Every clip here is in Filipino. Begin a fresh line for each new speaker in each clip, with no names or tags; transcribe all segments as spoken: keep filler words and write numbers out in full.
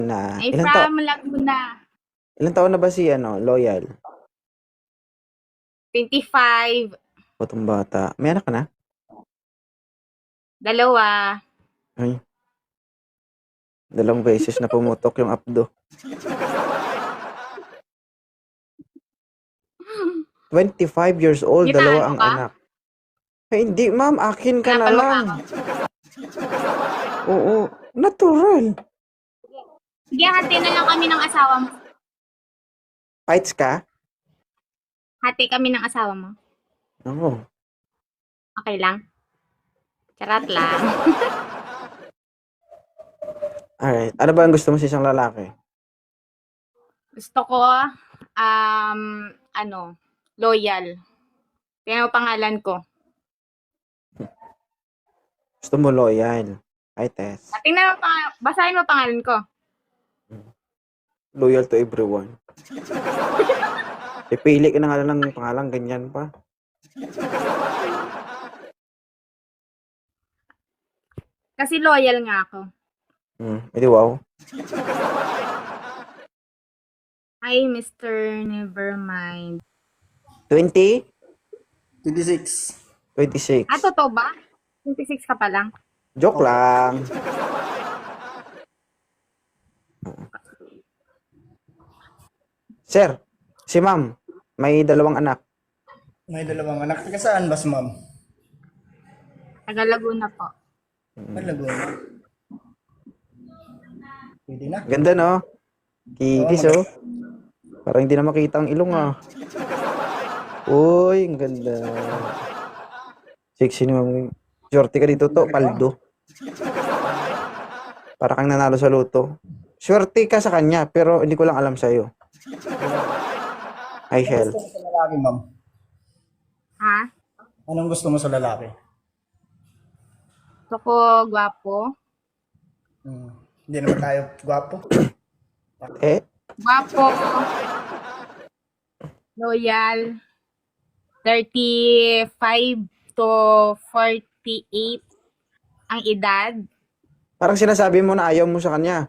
Na,
Ay,
ilang taon,
from Laguna.
ilang taon na ba si, ano, Loyal?
twenty-five.
Batong bata. May anak ka na?
Dalawa.
Ay. Dalawang beses na pumutok yung abdo. twenty-five years old, dalawa
Ginano
ang
ka?
anak. Ay, hindi, ma'am. Akin ka na
Hanapan mo
lang.
pa ako.
Oo, natural.
Sige, hati na lang kami ng asawa mo.
Fights ka?
Hati kami ng asawa mo.
Oo.
Okay lang? Charat lang.
Alright. Ano ba ang gusto mo sa isang lalaki?
Gusto ko, um, ano, loyal. Kaya ang pangalan ko.
Gusto mo loyal. Ay, Tess.
Tingnan mo, pang- basahin mo pangalan ko.
Loyal to everyone. Ipili ka na nga lang ng pangalan, ganyan pa.
Kasi loyal nga ako.
Hmm, edi wow.
Hi, Mister Nevermind.
twenty?
twenty-six.
twenty-six.
Ah, totoo ba? twenty-six ka pa lang.
Joke lang. Sir, si ma'am, may dalawang anak.
May dalawang anak. Taga saan ba si ma'am?
Taga Laguna po.
Ay, Laguna. Pwede na.
Ganda, no? Kikis, oh. Parang hindi na makita ang ilong, ah. Uy, ang ganda. Sexy ni ma'am. Shorty ka dito, to. Paldo. Para kang nanalo sa loto. Swerte ka sa kanya, pero hindi ko lang alam sa'yo. Hi, Shell.
Gusto mo sa lalaki, ma'am?
Ha?
Anong gusto mo sa lalaki?
Gusto ko gwapo.
Hmm. Hindi naman tayo gwapo.
Eh,
Gwapo. Loyal. thirty-five to forty-eight ang edad.
parang sinasabi mo na ayaw mo sa kanya.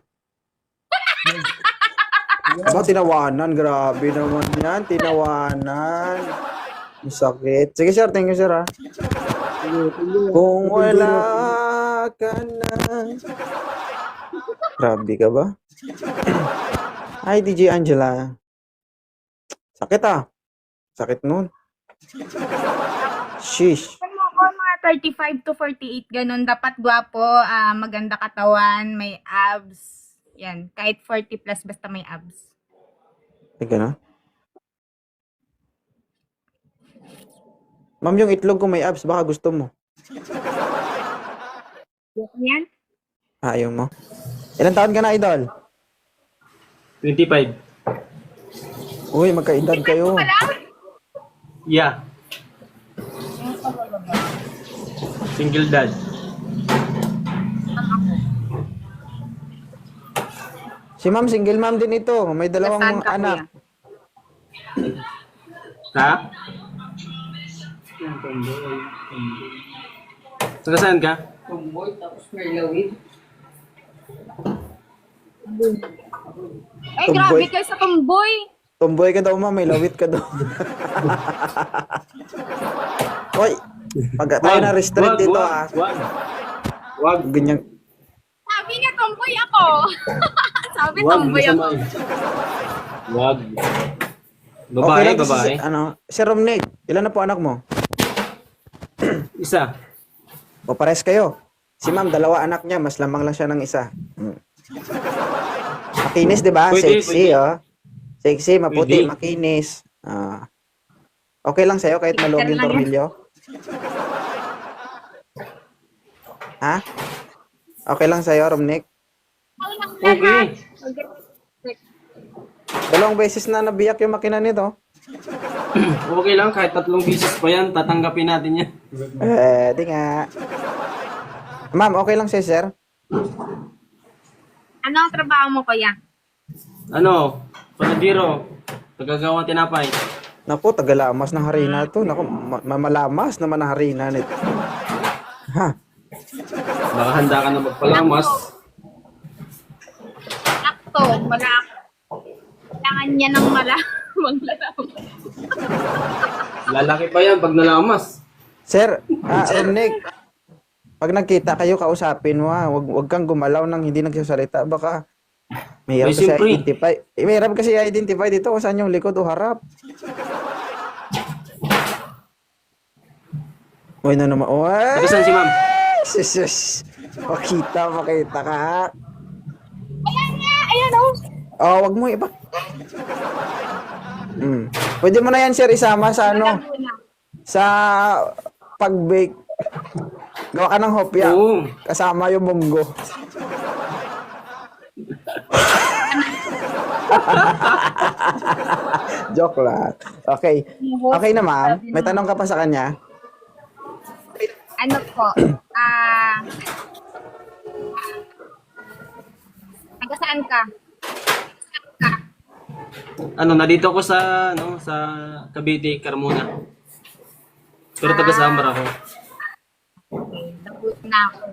Aba, tinawanan. Grabe naman yan. Tinawanan. Ang sakit. Sige, sir. Thank you, sir, ha. Kung wala ka na. Grabe ka ba? Hi, D J Angela. Sakit, ah. Sakit nun. Sheesh.
Kung mo ako, mga thirty-five to forty-eight, ganun. Dapat gwapo, ah, maganda katawan, may abs. Yan. Kahit forty plus, basta may abs.
Teka na. Ma'am, yung itlog ko may abs. Baka gusto mo.
Yan.
Ah, ayaw mo. Ilan taon ka na, idol?
twenty-five.
Uy, magkaedad kayo.
Wala?
Yeah. Single dad.
Si ma'am, single ma'am din ito. May dalawang
Saan
mga
ka,
anak.
kuya?
Ha? Taga saan ka?
Ay,
Tomboy.
grabe kayo sa tomboy.
Tomboy ka daw, ma'am. May lawit ka daw. Hoy, pag tayo na restrict dito, ah.
Wag. Wag.
Ganyan.
Sabi niya, tomboy ako. Sabi,
Wag.
tomboy ako.
Masama. Wag.
Okay
Babae,
lang to si,
babae.
ano, Sir Romney, ilan na po anak mo?
Isa.
O pares kayo. Si ma'am, dalawa anak niya. Mas lamang lang siya ng isa. Hmm. Makinis, di ba?
Pwede,
Sexy,
pwede.
oh. Sexy, maputi,
Pwede.
makinis. Ah. Okay lang sa'yo kahit maluwag yung tornilyo? Ha? Okay lang sa'yo, Romnick?
Okay.
Dalawang beses na nabiyak yung makina nito.
Okay lang. Kahit tatlong bisis pa yan, tatanggapin natin yan.
Eh, di nga. Ma'am, okay lang sa'yo, sir?
Ano ang trabaho mo, kuya?
Ano? Panadiro. Tagagawa tinapay.
Naku, tagalamas ng harina to. Naku, ma- mamalamas naman ang harina nito. Ha?
Baka handa ka na magpalamas.
Wala ako. Kailangan niya ng malamang lalaman.
Lalaki pa yan pag nalamas.
Sir, ah, Nick, pag nagkita kayo, kausapin mo ha. Wag, wag kang gumalaw nang hindi nagsasalita. Baka mahirap
Ay,
kasi
siyempre.
identify. Eh, mahirap kasi identify dito kung saan yung likod o harap. Uy, na naman. Uy!
Taga saan si ma'am?
Sus, sus. Makita, makita ka.
Ayan nga! Ayan oh!
Oh, wag mo iba. Hmm. Pwede mo na yan, sir, isama sa ano,
Laguna.
sa pag-bake. Gawa ka ng hopya.
Oo.
Kasama yung munggo. Joke lang. Okay. Okay na, ma'am. May tanong ka pa sa kanya?
Ano po? Ah... taga saan ka?
Ano, nandito ako sa, ano, sa Cavite, Carmona. Pero taga Samar ako.
Okay, nabuot na ako.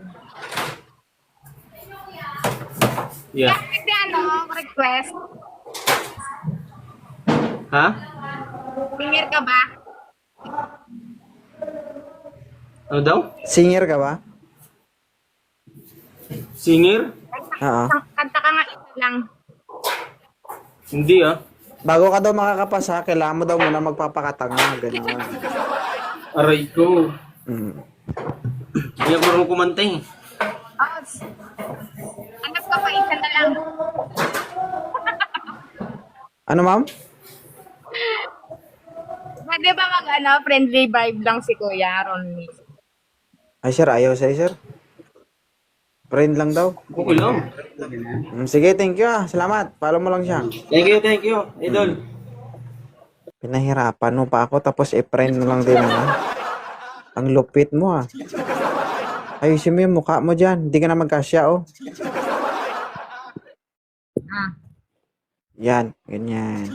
Yeah.
Kasi ano, request.
Ha?
Singer ka ba?
Ano daw?
Singer ka ba?
Singer?
Oo.
Kanta ka nga isa lang.
Hindi ah.
Bago ka daw makakapasa, kailangan mo daw muna magpapakatanga. Ganun.
Aray ko.
Mm.
Hindi ako marunong kumanta eh.
Oh, hanap ka pa isa na lang.
Ano, ma'am?
Pwede ba mag ano, friendly vibe lang si Kuya Ronnie?
Ay, sir, ayaw sa'yo, sir. Friend lang daw.
Okay lang.
Mm, sige, thank you ah. Salamat. Follow mo lang siya.
Thank you, thank you. Idol.
Pinahirapan mo pa ako, tapos e-friend mo lang din. Ha? Ang lupit mo ah. Ayusin mo yung mukha mo dyan. Hindi ka na magkasya, oh.
Ah.
Yan, ganyan.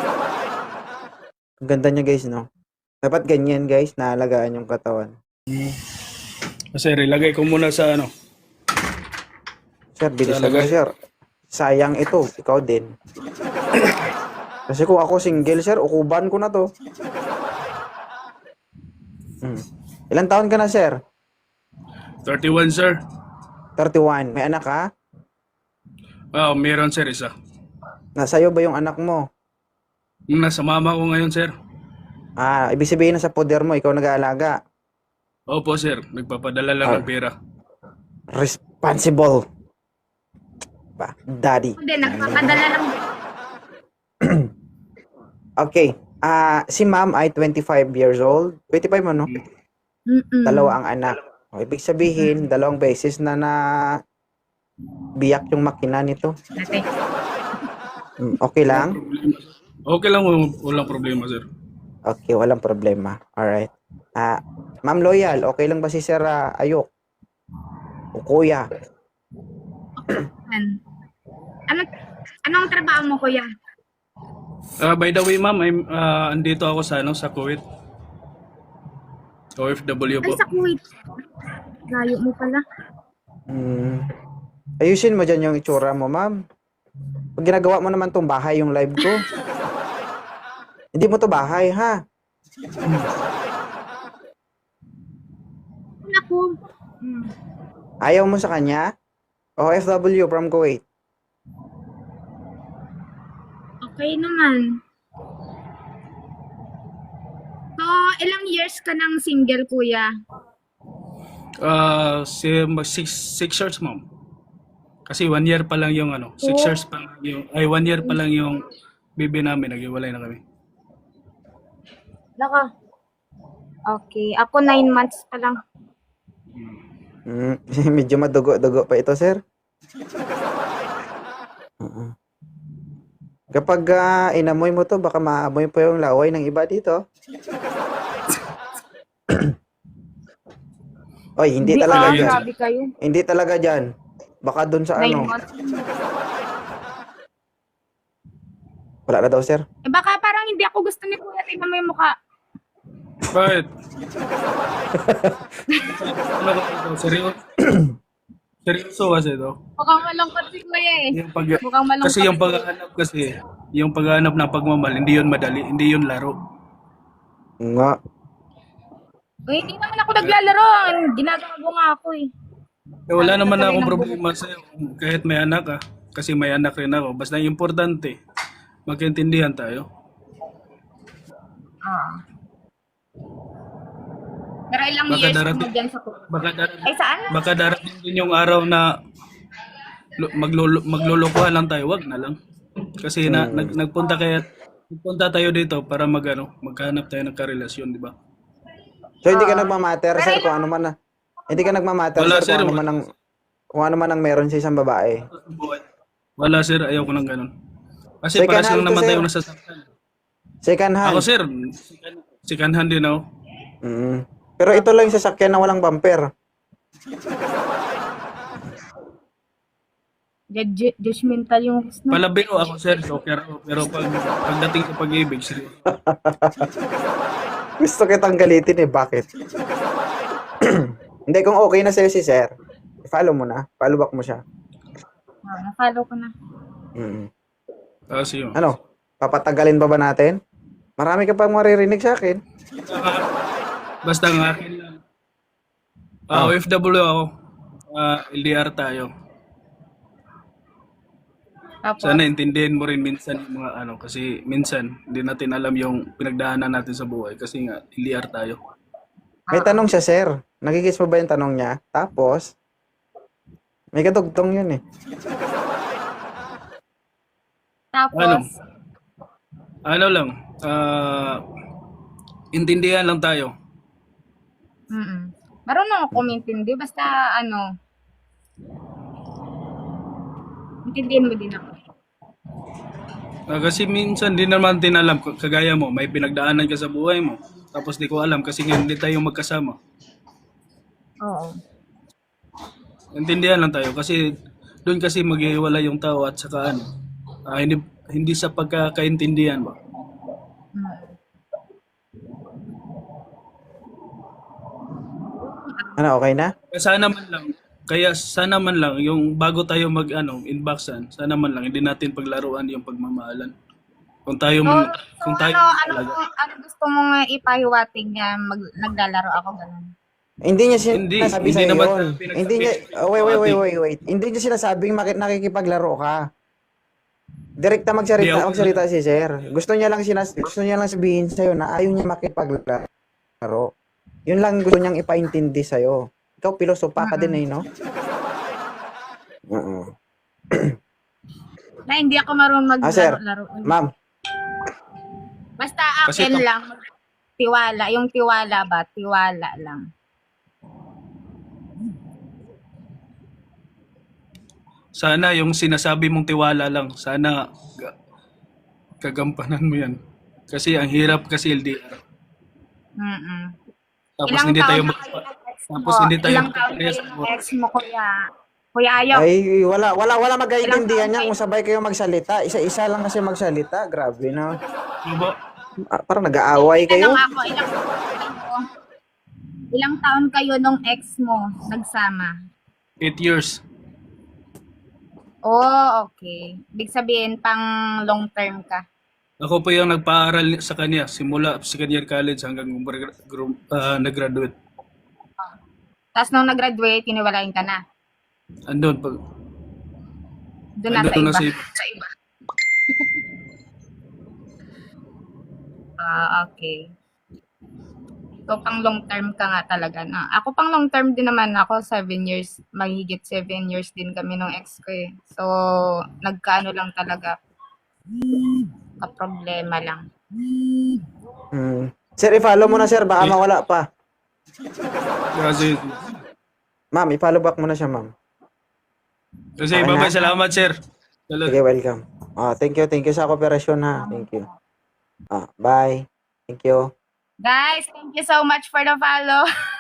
Ang ganda niya, guys, no? Dapat ganyan, guys, naalagaan yung katawan.
Sir, ilagay ko muna sa ano.
Sir, bilis
Talaga?
na, sir. Sayang ito, ikaw din. Kasi kung ako single, sir, ukuban ko na to. Hmm. Ilan taon ka na, sir?
thirty-one, sir.
thirty-one. May anak ka?
Ah, meron, sir, isa.
Nasa'yo ba yung anak mo?
Nasa mama ko ngayon, sir.
Ah, ibig sabihin na sa poder mo, ikaw nag-aalaga.
Opo, sir. Nagpapadala lang
Ah.
ng pera.
Responsible. Ba, daddy.
Hindi, nagpapadala lang.
Okay. Ah, si ma'am ay twenty-five years old. twenty-five mo, no?
Mm-mm.
Dalawa ang anak. O, ibig sabihin, dalawang beses na na biyak yung makina nito.
Ate.
Mm, okay lang?
Okay lang, walang, walang problema, sir.
Okay, walang problema. Alright. Ah, Ma'am Loyal, okay lang ba si Sir ah, Ayok? O Kuya?
An- Ano, anong trabaho mo, Kuya?
Ah, by the way, ma'am, I'm, ah, andito ako sa, ano, sa Kuwait. O F W
Ay,
po.
sa Kuwait. Layo mo pala.
Hmm. Ayusin mo dyan yung itsura mo, ma'am. Pag ginagawa mo naman tong bahay yung live ko. Hindi mo to bahay, ha?
Naku. Hmm.
Ayaw mo sa kanya? O F W from Kuwait.
Okay naman. So, ilang years ka nang single, Kuya?
Ah, si, six, six years, ma'am. Kasi one year pa lang yung, ano, six
Oh.
years pa lang yung, ay, one year pa lang yung baby namin. Nag-iwalay na kami.
Laka. Okay. Ako nine months pa lang.
Hmm. Medyo madugo-dugo pa ito, sir. Oo. Kapag ah, inamoy mo to, baka maamoy pa yung laway ng iba dito. Oy, hindi talaga
ah,
dyan.
grabe kayo.
Hindi talaga dyan. Baka dun sa
Nine
ano.
months.
Wala na daw, sir.
Eh, baka parang hindi ako gusto ni Kuya. Tingnan mo yung mukha.
Bakit? Ano ba ito? Seryo? Seryoso kasi to.
Mukhang malungkot si Kuya eh.
Yung pag,
Mukhang malungkot.
kasi yung paghahanap kasi, yung paghahanap ng pagmamahal, hindi yun madali, hindi yun laro.
Nga.
Uy, hindi naman ako naglalaro. Ginagawa nga ako eh.
Eh, wala
Ano
naman
gagawin
akong
ng
problema sa'yo kahit may anak ka. Kasi may anak rin ako. Basta yung importante, magkaintindihan tayo.
Ah. Pero ilang
Baka
years mo
darating-
dyan sa Kuya?
Baka darating,
Ay, saan?
baka darating din yung araw na lu- maglulu- maglulukuhan lang tayo. Wag na lang. Kasi na, nag, nagpunta kaya nagpunta tayo dito para magano, maghanap tayo ng karelasyon, di ba?
So hindi ka nagmamatter, sir, kung ano man na. Hindi ka nagmamatter,
Wala,
sir,
sir.
kung ano man ang kung ano man ang meron sa isang babae.
Wala sir, ayaw ko ng ganun. Kasi
Second
para
hand
lang
to,
naman
sir.
tayo nasasaktan.
Second hand.
Ako sir, second hand din ako.
Mm. Pero ito lang yung sasakyan na walang bumper.
Judge- Judgmental yung host na.
Palabiro ako sir, so, pero, pero pag, pagdating sa pag-ibig, seryoso.
Gusto kitang galitin eh, bakit? Hindi, kung okay na sa'yo si sir, follow mo na. Follow back mo siya.
Ah, na-follow ko na.
Mm.
Kasi yun.
Ano? Papatagalin pa ba natin? Marami ka pang maririnig sa akin.
Basta ang akin lang. Ah, O F W ako. Ah, L D R tayo.
Tapos,
Sana intindihin mo rin minsan yung mga ano, kasi minsan hindi natin alam yung pinagdaanan natin sa buhay kasi nga L D R tayo.
May tanong siya, sir. Nagigis mo ba yung tanong niya? Tapos, may kadugtong yun eh.
tapos,
Ano? Ano lang, ah, intindihan lang tayo.
mm marunong ako kumintindi. Basta, ano, intindihin mo din ako.
Ah, kasi minsan di naman din alam, k- kagaya mo, may pinagdaanan ka sa buhay mo. Tapos di ko alam kasi nga hindi tayo magkasama.
Oo.
Intindihan lang tayo kasi doon kasi maghiwalay yung tao at saka ano, ah, hindi, hindi sa pagkakaintindihan ba.
Mm.
Ano, okay na?
Kaya sana man lang, kaya sana man lang yung bago tayo mag ano, inboxan, sana man lang hindi natin paglaruan yung pagmamahalan. Kung tayo
So,
man,
so
kung tayo
ano, ano,
talaga.
ano gusto mong uh, ipahiwatig niya mag, naglalaro ako ganun?
Hindi niya
Hindi,
sinasabi
hindi
sa'yo
naman
yun.
pinagsabi.
Hindi niya, oh, wait, wait, wait, wait, wait. Hindi niya sinasabing maki- nakikipaglaro ka. Direkta magsalita,
Hindi, ako-
magsalita si sir. Gusto niya lang sinas gusto niya lang sabihin sa'yo na ayaw niya makipaglaro. Yun lang gusto niyang ipaintindi sa'yo. Ikaw, pilosopa ka din eh, no? Oo.
Na hindi ako marunong
Ah, sir.
maglaro-laro.
Ma'am,
Basta
Kasi
akin
ito-
lang, tiwala. Yung tiwala ba? Tiwala lang.
Sana yung sinasabi mong tiwala lang, sana ga- kagampanan mo yan. Kasi ang hirap kasi L D R.
Mm-mm.
Tapos
Ilang
hindi tayo
taon na
mag-
kayo ng ex
tapos
mo?
hindi tayo
Ilang taon
magkaparehas
kayo
ng
ng ex mo, kuya? Kuya Ayo?
ay wala wala wala magkaintindihan
Ilang
niya
taon
kung sabay kayo magsalita. Isa-isa lang kasi magsalita. Grabe na.
Ano ba?
Ah, parang nag-aaway kayo.
Tanong ako, ilang taon kayo? Ilang taon kayo nung ex mo nagsama?
Eight years.
Oh, okay. Ibig sabihin, pang long term ka.
Ako po yung nagpaaral sa kanya simula second year college hanggang gumra- grum- ah, nag-graduate.
Tapos nung nag-graduate, tiniwalain ka na.
Andun pag
Doon na sa
andun
iba.
na sa iba.
Sa iba. Ah, okay. So, pang long term ka nga talaga na. Ako pang long term din naman ako, seven years, mahigit seven years din kami nung ex ko eh. So, nagkaano lang talaga, ka-problema lang.
Hmm. Sir, i-follow mo na sir, baka mawala pa.
Kasi,
Ma'am, i-follow back mo na siya, ma'am.
kasi
Okay
babay,
na?
salamat sir. Salamat.
Sige, welcome. Ah, thank you, thank you sa kooperasyon ha. Thank you. Ah, bye. Thank you.
Guys, thank you so much for the follow.